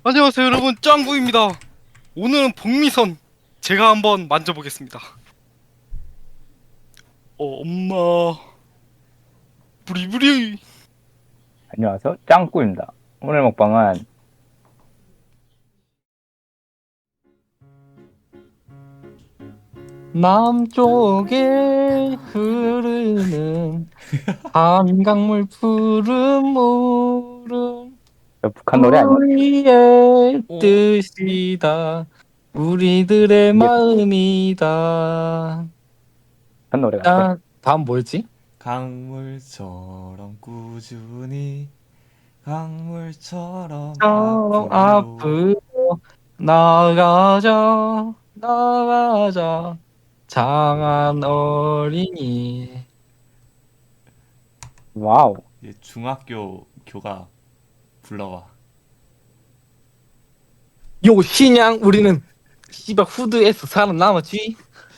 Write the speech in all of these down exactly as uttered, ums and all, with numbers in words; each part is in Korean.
안녕하세요 여러분, 짱구입니다. 오늘은 복미선 제가 한번 만져보겠습니다. 어 엄마 부리부리. 안녕하세요. 짱꾸입니다. 오늘 먹방은 남쪽에 흐르는 한강물 푸른 물은 북한 노래 아니야? 우리의 어? 뜻이다. 우리들의 이게 마음이다. 북한 노래 같아. 아, 다음 뭐였지? 강물처럼 꾸준히 강물처럼 처럼 앞으로 앞으로 나가자, 나가자, 장한 어린이. 와우. 이제 중학교 교가 불러와. 요 신양 우리는 씨발 후드에서 살아남았지.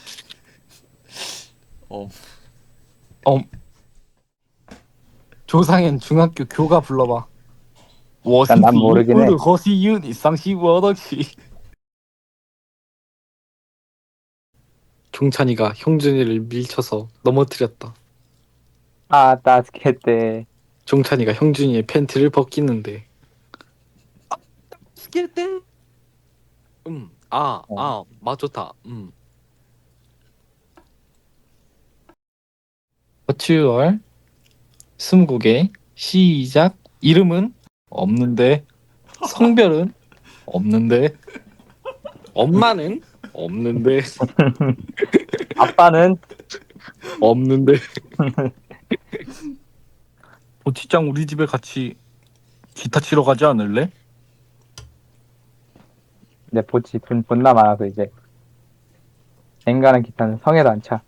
어, 어, 조상현 중학교 교가 불러봐. 난, 난 모르긴 해. 허시윤 이상시워덕시. 종찬이가 형준이를 밀쳐서 넘어뜨렸다. 아, 따스케테. 종찬이가 형준이의 팬티를 벗기는데. 스케테. 음, 아, 어. 아, 맞았다. 음. 버추얼 스무고개 시작. 이름은 없는데, 성별은 없는데, 엄마는 없는데, 아빠는 없는데. 보티짱 우리 집에 같이 기타 치러 가지 않을래? 이제 보치 돈 존나 많아서 이제 앵간한 기타는 성에도 안 차.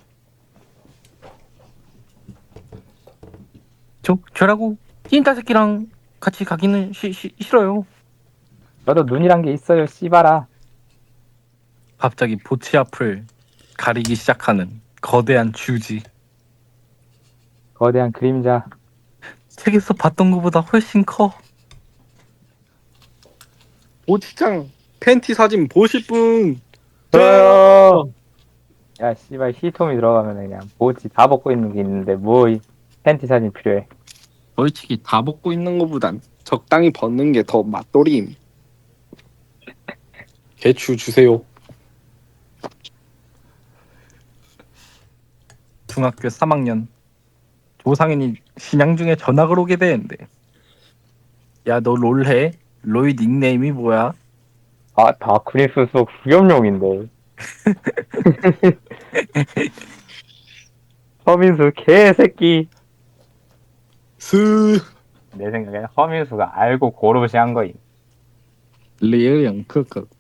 저 저라고 찐따 새끼랑 같이 가기는 시, 시, 싫어요. 너도 눈이란 게 있어요, 씨발아. 갑자기 보치 앞을 가리기 시작하는 거대한 쥐지. 거대한 그림자. 책에서 봤던 것보다 훨씬 커. 보치짱 팬티 사진 보실 분? 저요. 야, 씨발 히톰이 들어가면 그냥 보치 다 벗고 있는 게 있는데 뭐 이 팬티 사진 필요해. 솔직히 다 벗고 있는 것보단 적당히 벗는 게 더 맛돌임. 개추 주세요. 중학교 삼 학년 조상현이 신양 중에 전학을 오게 되는데, 야 너 롤해? 롤 닉네임이 뭐야? 아, 다크리스 속 수염용인데. 서민수 개새끼. 스 내 생각에는 허민수가 알고 고르시 한 거임. 리얼 형 크크.